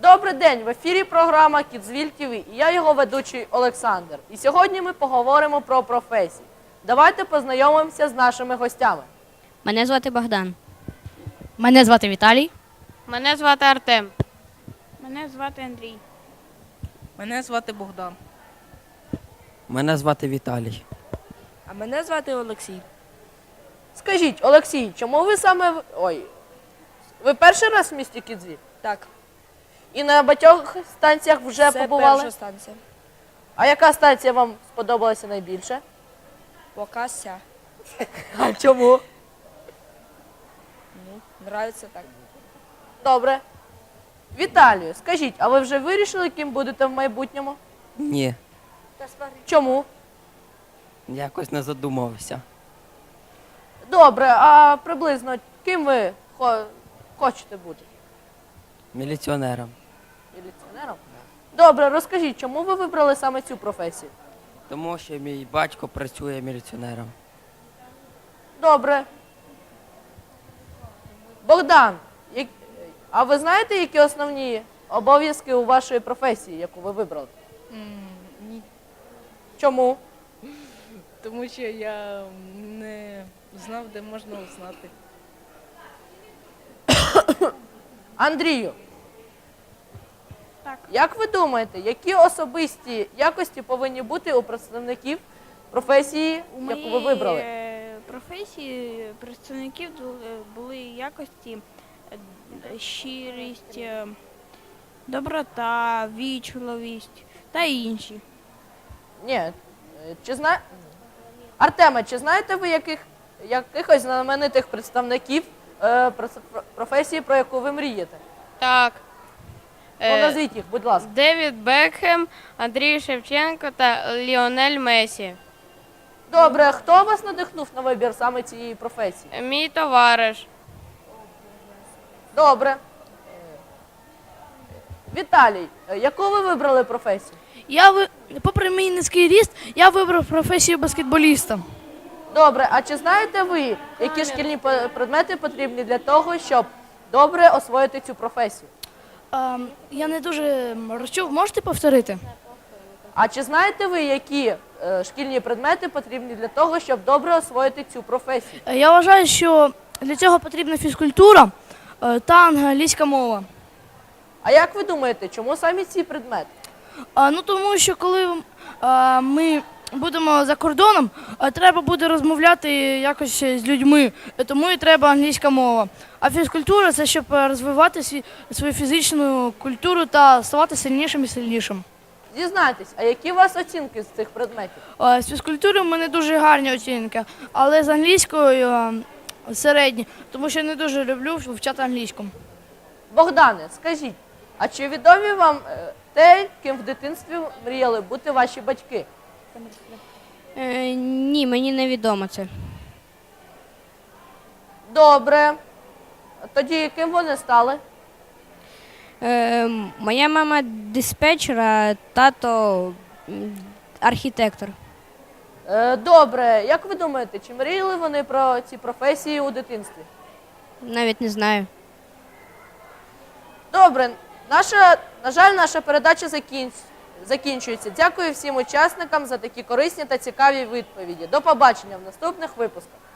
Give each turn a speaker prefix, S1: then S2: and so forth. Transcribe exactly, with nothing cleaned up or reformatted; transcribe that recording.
S1: Добрий день! В ефірі програма «Кідзвіль ТВ» і я його ведучий Олександр. І сьогодні ми поговоримо про професії. Давайте познайомимося з нашими гостями.
S2: Мене звати Богдан.
S3: Мене звати Віталій.
S4: Мене звати Артем.
S5: Мене звати Андрій.
S6: Мене звати Богдан.
S7: Мене звати Віталій.
S6: А мене звати Олексій.
S1: Скажіть, Олексій, чому ви саме... в- Ой, ви перший раз в місті Кідзвіль?
S6: Так,
S1: І на багатьох станціях вже
S6: це
S1: побували?
S6: перша станція.
S1: А яка станція вам сподобалася найбільше?
S6: Покася.
S1: А чому?
S6: Ну, нравиться так.
S1: Добре. Віталію, скажіть, а ви вже вирішили, ким будете в майбутньому?
S7: Ні,
S1: Чому?
S7: якось не задумався.
S1: Добре, а приблизно ким ви хо- хочете бути?
S7: Міліціонером.
S1: Міліціонером? Добре, розкажіть, чому ви вибрали саме цю професію?
S7: Тому що мій батько працює міліціонером.
S1: Добре. Богдан, як- а ви знаєте, які основні обов'язки у вашої професії, яку ви вибрали?
S6: Ні.
S1: Чому?
S6: Тому що я не знав, де можна узнати.
S1: Андрію,
S5: Так.
S1: як ви думаєте, які особисті якості повинні бути у представників професії,
S5: У
S1: яку ви вибрали?
S5: моїй е, професії представників ду- е, були якості е, щирість, е, доброта, вічливість та інші.
S1: Ні. е, Чи зна... Артеме, чи знаєте ви яких... якихось знаменитих представників е, прос- професії, про яку ви мрієте?
S4: Так.
S1: Ну,
S4: Е,
S1: назвіть їх, будь ласка.
S4: Девід Бекхем, Андрій Шевченко та Ліонель Месі.
S1: Добре, хто вас надихнув на вибір саме цієї професії?
S4: Мій товариш.
S1: Добре. Е, Віталій, е, яку ви вибрали професію?
S3: Я ви... Попри мій низький ріст, я вибрав професію баскетболіста.
S1: Добре, а чи знаєте ви, які шкільні по- предмети потрібні для того, щоб добре освоїти цю професію?
S3: Ем, я не дуже розчув, можете повторити?
S1: А чи знаєте ви, які е, шкільні предмети потрібні для того, щоб добре освоїти цю професію?
S3: Е, Я вважаю, що для цього потрібна фізкультура е, та англійська мова.
S1: А як ви думаєте, чому саме ці предмети?
S3: А, ну тому що коли е, ми будемо за кордоном, е, треба буде розмовляти якось з людьми, е, тому і треба англійська мова. А фізкультура це щоб е, розвивати сві- свою фізичну культуру та ставати сильнішим і сильнішим.
S1: Дізнайтесь, а які у вас оцінки з цих предметів?
S3: Е, З фізкультури в мене дуже гарні оцінки, але з англійською е, середні, тому що не дуже люблю вивчати англійську.
S1: Богдане, скажіть, а чи відомі вам е, те, ким в дитинстві мріяли бути ваші батьки?
S2: Е, ні, мені не відомо це.
S1: Добре. Тоді ким вони стали?
S2: Е, моя мама диспетчер, а тато м, архітектор.
S1: Е, Добре. Як ви думаєте, чи мріяли вони про ці професії у дитинстві?
S2: Навіть не знаю.
S1: Добре. Наша, на жаль, наша передача закінч... закінчується. Дякую всім учасникам за такі корисні та цікаві відповіді. До побачення в наступних випусках.